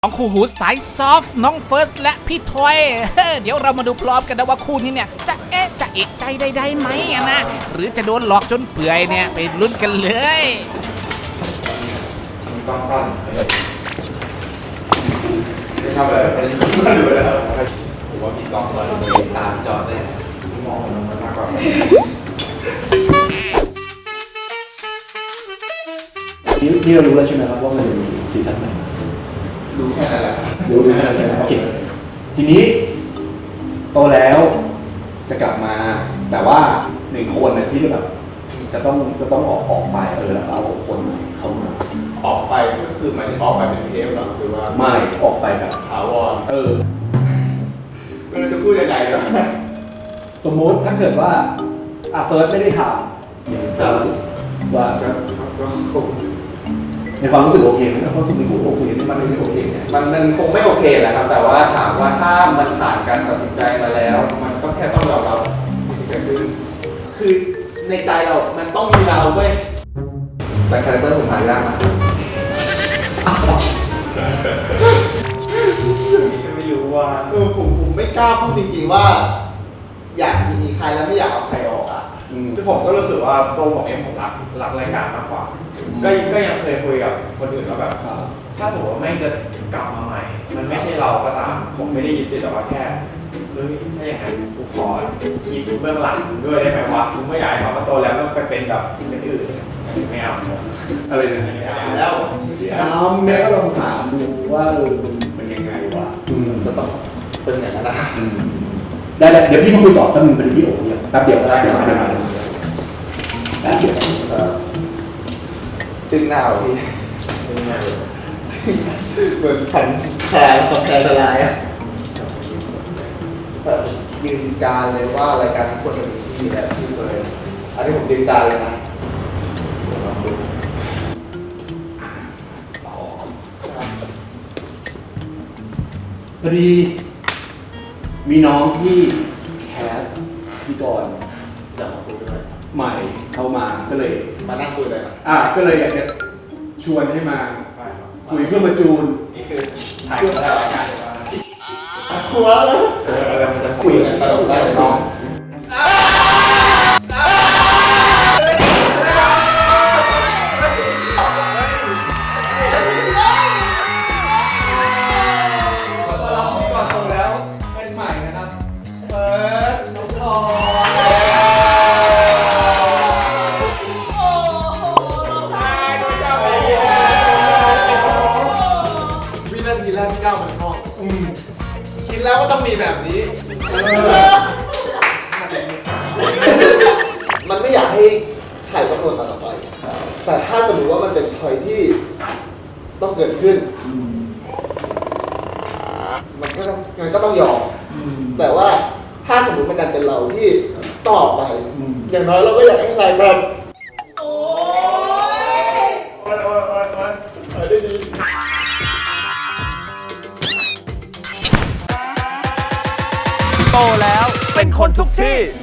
ของคู่หูสายซอฟต์น้องเฟิร์สและพี่ทอยเดี๋ยวเรามาดูพร้อมกันนะว่าคู่นี้เนี่ยจะเอะใจได้ไหมนะหรือจะโดนหลอกจนเปื่อยเนี่ยไปลุ้นกันเลยมีกล้องสั้นไม่ชอบเลยไม่ดูเลยผมว่ามีกล้องสั้นเลยตามจอดได้มองมันมากกว่านี่เรารู้แล้วใช่ไหมครับว่ามันจะมีซีซั่นไหนรู้แค่นั้นแหละรู้แค่นั้นใช่ไหมโอเคทีนี้โตแล้วจะกลับมาแต่ว่าหนึ่งคนเนี่ยที่แบบจะต้องออกไปแล้วเอาคนใหม่เข้ามาออกไปก็คือหมายถึงออกไปเป็นเทปหรอคือว่าไม่ออกไปแบบถาวรเราจะพูดยังไงเนาะสมมติถ้าเกิดว่าเฟิร์สไม่ได้ทำเนี่ยจะรู้สึกว่าในความรู้สึกโอเคไหมความรู้สึกในหัวโอเคนี่มันไม่โอเคเนี่ยมันคงไม่โอเคแหละครับแต่ว่าถามว่าถ้ามันผ่านการตัดสินใจมาแล้วมันก็แค่ต้องยอมรับที่เกิดขึ้นคือในใจเรามันต้องมีเราเว้ยแต่คาแรคเตอร์ผมหายากมากไม่รู้ว่าผมไม่กล้าพูดจริงๆว่าอยากมีใครแล้วไม่อยากเอาใครออกอ่ะคือผมก็รู้สึกว่าตัวผมเองผมรักรายการมากกว่าก็ยังเคยคุยกับคนอื่นแล้วแบบถ้าสมมติว่าไม่จะกลับมาใหม่มันไม่ใช่เราก็ตามผมไม่ได้ยึดติดแต่ว่าแค่ถ้าอย่างนั้นกูขอคิดเบื้องหลังด้วยได้ไหมวะกูไม่อยากให้เขามาโตแล้วก็ไปเป็นแบบเป็นอื่นไม่เอาอะไรเนี่ยไม่เอาแล้วแม่ก็ลองถามดูว่ามันยังไงวะจะต้องเป็นอย่างนั้นนะได้เดี๋ยวพี่มาคุยต่อแป๊บนึงเป็นพี่โอ๋เนี่ยแป๊บเดียวก็ได้เดี๋ยวมาแป๊บเดียวจึงหน้าพี่จึงหน้าเหมือนแผ่นแผ่นสลายอ่ะยืนการเลยว่ารายการทุกคนจะมีที่แบบที่เลยอันนี้ผมยืนการเลยนะพอดีมีน้องที่แคสพี่กรณ์อยากมาคุยด้วยใหม่เข้ามาก็เลยมานั่งคุยเลยก็เลยอยากจะชวนให้มาคุยเพื่อมาจูนนี่คือถ่ายรายการครัวมันจะคุยกันตลอดได้เลยน้องทีแรกที่ก้าวมาในห้องคิดแล้วว่าต้องมีแบบนี้มันไม่อยากให้ใครต้องโดนตัดออกไปแต่ถ้าสมมติว่ามันเป็นชอยที่ต้องเกิดขึ้นมันก็ต้องยอมแต่ว่าถ้าสมมติมันดันเป็นเราที่ต่อไปอย่างน้อยเราก็อยากให้ใครแบบโอ้ยได้ดีโตแล้วเป็นคนทุกที่